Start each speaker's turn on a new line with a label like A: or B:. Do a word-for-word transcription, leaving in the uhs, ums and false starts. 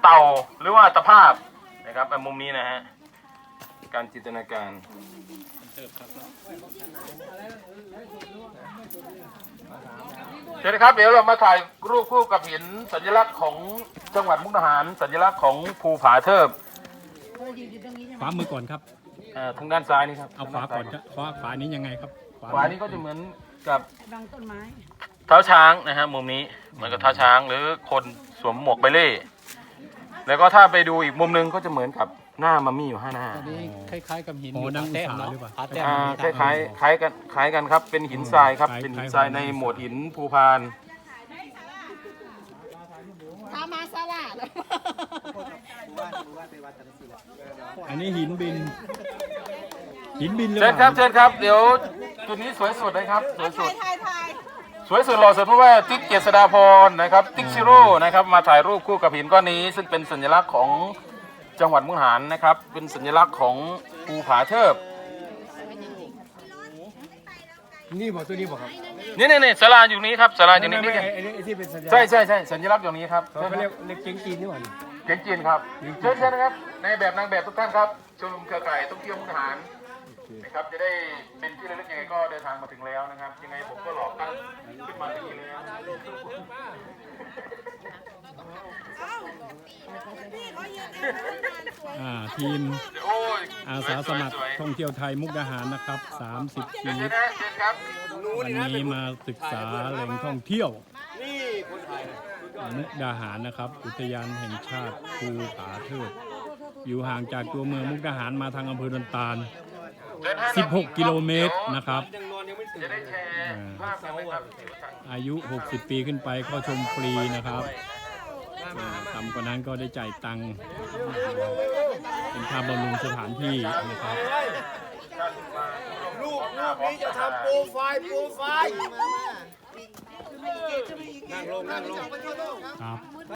A: เต่าหรือว่าตะภาพนะครับมุมนี้นะฮะการจินตนาการเชิญครับเดี๋ยวเรามาถ่ายรูปคู่กับหินสัญลักษณ์ของจังหวัดมุกดาหารสัญลักษณ์ของภูผาเทิบ
B: ขวามือก่อนครับ
A: ทางด้านซ้ายนี่ครับ
B: เอาขวาก่อนครับขวาขวานี้ยังไงครับ
A: ขวานี้ก็จะเหมือนกับ
C: บังต้นไม้
A: เท้าช้างนะฮะมุมนี้เหมือนกับเท้าช้างหรือคนสวมหมวกใบเล่แล้วก็ถ้าไปดูอีกมุมนึงก็จะเหมือนกับหน้ามัมมี่อยู่ห้าหน้า
D: คล้ายๆกับหิน
B: อยู่
D: ดัง
B: แต้ม
D: เนาะ
A: คล้ายคล้ายคล้ายกันคล้ายกันครับเป็นหินทรายครับเป็นหินทรายในหมวดหินภูพาน
C: ทามาซาลา
B: อันนี้หินบินหินบินเลย
A: เชิญครับเชิญครับเดี๋ยวจุดนี้สวยสุดเลยครับสวยสุดสวยสุดหล่อสุดเพราะว่าติ๊กเจษฎาพรนะครับติ๊กชิโร่นะครับมาถ่ายรูปคู่กับหินก้อนนี้ซึ่งเป็นสัญลักษณ์ของจังหวัดมุกดาหารนะครับเป็นสัญลักษณ์ของภูผาเทิบ
D: นี่บอกตัวนี้บอกครับ
A: นี่นี่นี่ศาลาอยู่นี้ครับศาลาอยู่นี้นี่ใช่ใช่ใช่สัญลักษณ์อย่างนี้ครับ
D: เขาเรียกเรียกเก่งจีนนี่หว่า
A: เก่งจีนครับเชิญเชิญนะครับในแบบนางแบบทุกท่านครับชมรมเครือข่ายท่องเที่ยวมุกดาหารนะครับจะได้เป็นที่ระลึกยังไงก็เดินทางมาถึงแล้วนะครับยังไงผมก็หลอกตั้งขึ้นมาที่นี่แล้ว
B: ทีมอาสาสมัครท่องเที่ยวไทยมุกดาหารนะครับสามสิบชีวิตวันนี้มาศึกษาแหล่งท่องเที่ยวมุกดาหารนะครับอุทยานแห่งชาติภูผาเทิดอยู่ห่างจากตัวเมืองมุกดาหารมาทางอำเภอดอนตาลสิบหกกิโลเมตรนะครับอายุหกสิบปีขึ้นไปเข้าชมฟรีนะครับต่ำกว่านั้นก็ได้จ่ายตังค์เป็นค่าบำรุงสถานที่นะครับ
E: ลูกลูกนี้จะทำโปรไฟล์โปรไฟล์นั่งลงนั่งลง
B: ครับ